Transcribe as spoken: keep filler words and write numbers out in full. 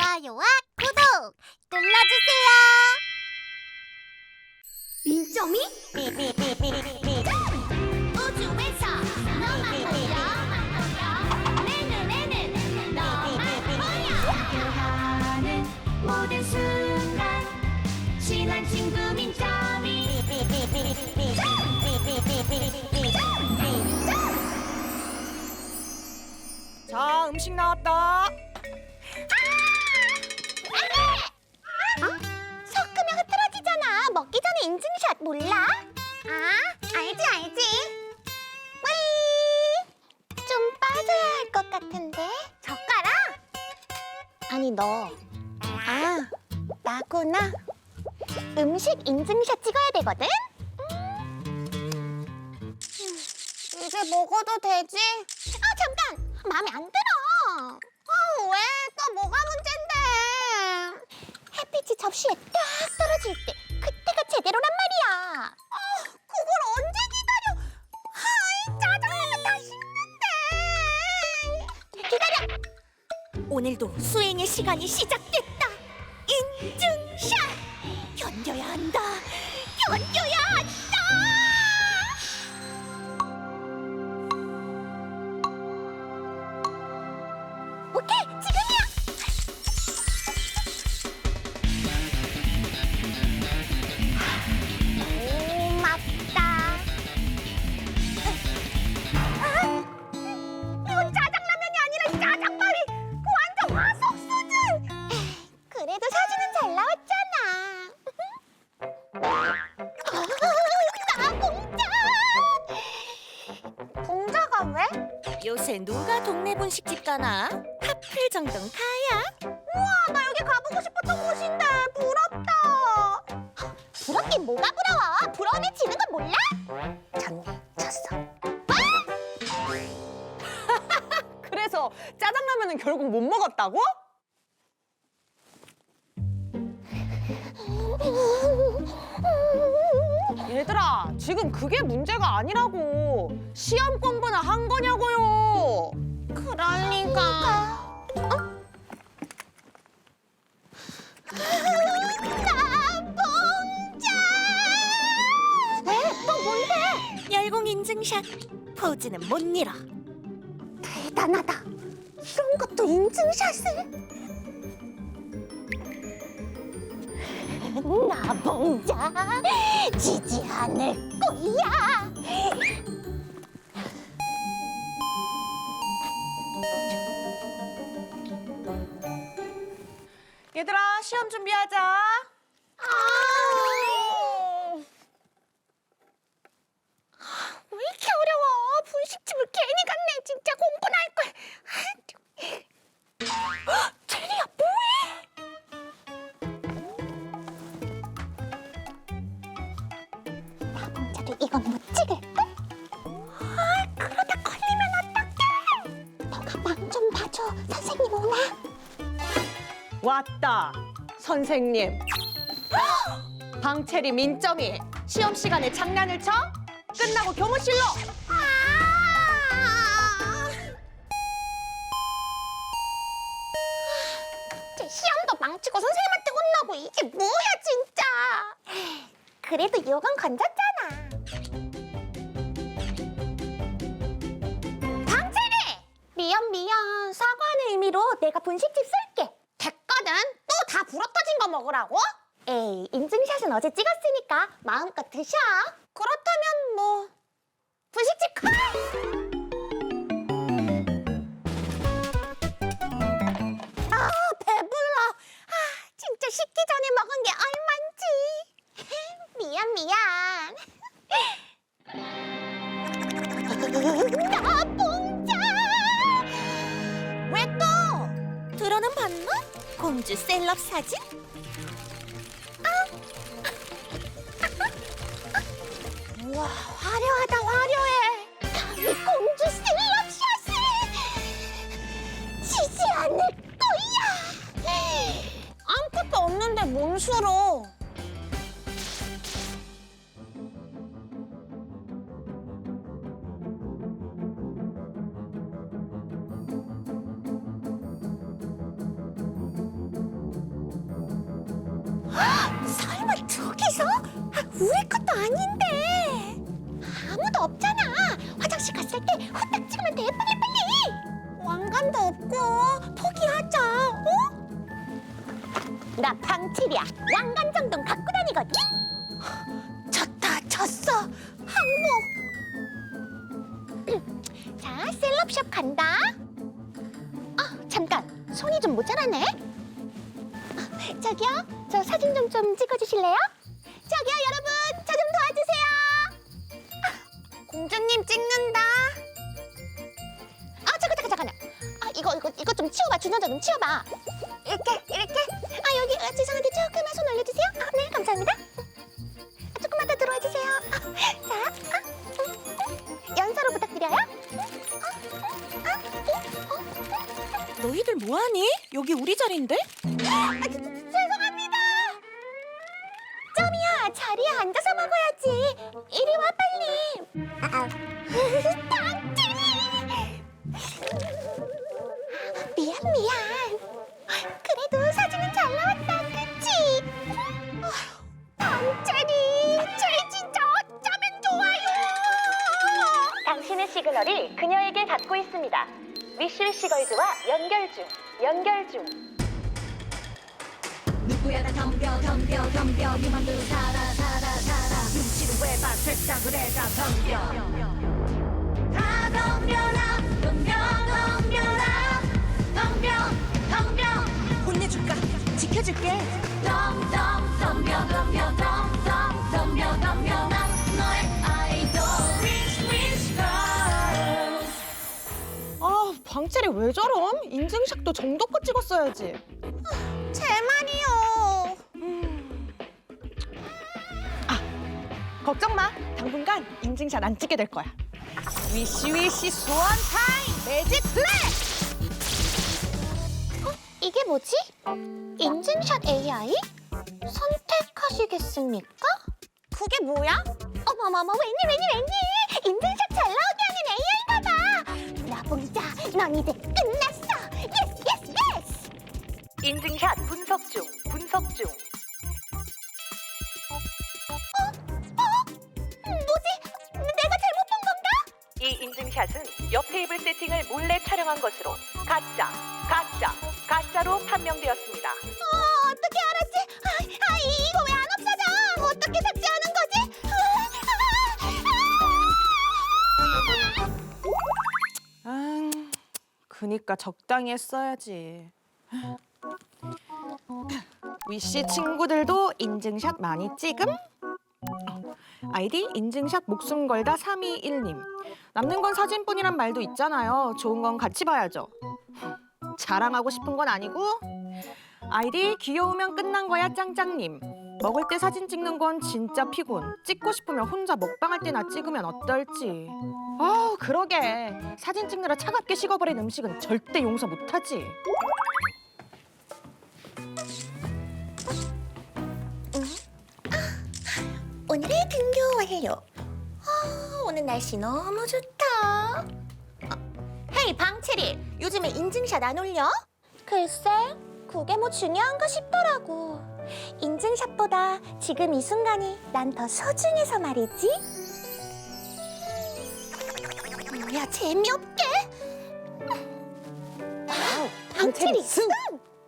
좋아요와 구독 눌러주세요. 민점이? 우주에서 너만 보여. 내 눈에는 너만 보여. 하는 모든 순간 친한 친구 민점이 자, 음식 나왔다. 섞으면 흐트러지잖아. 먹기 전에 인증샷 몰라? 아, 알지 알지. 뿌이. 좀 빠져야 할 것 같은데. 젓가락? 아니 너. 아, 나구나. 음식 인증샷 찍어야 되거든? 음, 이제 먹어도 되지? 아, 잠깐! 마음에 안 들어. 아, 왜? 또 뭐가 문제인데? 햇빛이 접시에 딱 떨어질 때 그때가 제대로란 말이야. 아, 그걸 언제 기다려? 아이, 짜장라면 다 식는데. 기다려. 오늘도 수행의 시간이 시작됐다. 인증샷. 견뎌야 한다. 견뎌야 한다. 오케이, 지금이야. 오, 맞다. 아, 이건 짜장라면이 아니라 짜장밥이 완전 화석 수준. 그래도 사진은 잘 나왔잖아. 나 봉자. 봉자가 왜? 요새 누가 동네 분식집 가나? 하플 정도는 가야. 우와, 나 여기 가보고 싶었던 곳인데 부럽다. 부럽긴 뭐가 부러워? 부러우면 지는 건 몰라? 졌네, 졌어. 그래서 짜장라면은 결국 못 먹었다고? 얘들아, 지금 그게 문제가 아니라고. 시험 공부나 한 거냐고요. 그럴 리가. 어? 나 봉자. 왜? 또 뭔데? 열공 인증샷. 포즈는 못 잃어. 대단하다. 이런 것도 인증샷을? 나 봉자 지지 않을 거야. 얘들아, 시험 준비하자. 아, 왜 이렇게 어려워? 분식집을 괜히 갔네. 진짜 공부나 할 걸. 헉, 제리야, 뭐해? 나 봉자도 이건 못 찍을까? 아, 그러다 걸리면 어떡해? 너가 방 좀 봐줘. 선생님 오나? 왔다, 선생님. 방채리 민점이 시험 시간에 장난을 쳐? 끝나고 교무실로. 아! 제 시험도 망치고 선생님한테 혼나고 이게 뭐야 진짜. 그래도 이건 건졌잖아. 방채리! 미안 미안. 사과하는 의미로 내가 분식집 쓸게. 됐거든. 또 다 불어터진 거 먹으라고? 에이, 인증샷은 어제 찍었으니까 마음껏 드셔. 그렇다면 뭐 분식집 가! 아, 배불러. 아, 진짜 식기 전에 먹은 게 얼만지. 미안, 미안. 나 봉자! 왜 또? 들어는 봤나? 공주 셀럽 사진? 우와, 화려하다, 화려해. 감히 공주 셀럽샷을 지지 않을 거야. 아무것도 없는데 뭔 수로? 우리 것도 아닌데. 아무도 없잖아. 화장실 갔을 때 후딱 찍으면 돼. 빨리 빨리. 왕관도 없고 포기하자. 어? 나 방칠이야. 왕관 정도는 갖고 다니거든. 졌다 졌어. 항복. 자, 셀럽샵 간다. 아, 잠깐. 손이 좀 모자라네. 아, 저기요. 저 사진 좀 좀 찍어주실래요? 저기요, 여러분. 저 좀 도와주세요. 아, 공주님 찍는다. 아, 잠깐, 잠깐, 잠깐요. 아, 이거, 이거, 이거 좀 치워봐. 준호자 좀 치워봐. 이렇게, 이렇게. 아, 여기, 아, 죄송한데 조금만 손 올려주세요. 아, 네, 감사합니다. 아, 조금만 더 들어와 주세요. 아, 자, 아, 음, 음. 연서로 부탁드려요. 아, 아, 어, 너희들 뭐하니? 여기 우리 자리인데? 아, 저, 죄송합니다. 점이야, 자리에 앉아서 먹어야지. 이리 와 빨리. 아, 당진이. 미안 미안. 그래도 사진은 잘 나왔다, 그치? 당진이, 쟤 진짜 어쩌면 좋아요. 당신의 시그널이 그녀에게 닿고 있습니다. 위시위시 걸즈와 연결 중, 연결 중. 누구야 나 덤벼 덤벼 덤벼 네 맘대로 살아 살아 살아 눈치를 왜 봐 세상을 해가 덤벼 다 덤벼라 덤벼 덤벼라 덤벼 덤벼 혼내줄까? 지켜줄게. 덤덤 덤벼 덤벼 덤덤 덤벼 덤벼 난 너의 아이돌 Rich Rich Girl 아, 방채리 왜 저럼? 인증샷도 정도껏 찍었어야지. 제 말이요. 걱정 마. 당분간 인증샷 안 찍게 될 거야. 위시위시 소원 타임 매직 플레이! 이게 뭐지? 인증샷 에이아이? 선택하시겠습니까? 그게 뭐야? 어머머머, 웬일 웬일 웬일! 인증샷 잘 나오게 하는 에이아이인가 봐! 나봉자, 넌 이제 끝났어! 예스 예스 예스! 인증샷 분석 중, 분석 중. 뭐지? 내가 잘못 본 건가? 이 인증샷은 옆 테이블 세팅을 몰래 촬영한 것으로 가짜, 가짜, 가짜로 판명되었습니다. 어, 어떻게 알았지? 아, 아, 이- 이거 왜 안 없어져? 어떻게 삭제하는 거지? 아, 아, 아. 아, 그니까 적당히 했어야지. 위시 친구들도 인증샷 많이 찍음? 어, 아이디 인증샷 목숨 걸다 삼이일님. 남는 건 사진뿐이란 말도 있잖아요. 좋은 건 같이 봐야죠. 자랑하고 싶은 건 아니고. 아이디 귀여우면 끝난 거야 짱짱님. 먹을 때 사진 찍는 건 진짜 피곤. 찍고 싶으면 혼자 먹방할 때나 찍으면 어떨지. 아우 그러게. 사진 찍느라 차갑게 식어버린 음식은 절대 용서 못하지. 오늘의 등교 완료. 아, 오늘 날씨 너무 좋다. 어, 헤이 방채리, 요즘에 인증샷 안 올려? 글쎄, 그게 뭐 중요한가 싶더라고. 인증샷보다 지금 이 순간이 난 더 소중해서 말이지. 뭐야 재미없게? 와우, 방채리 승!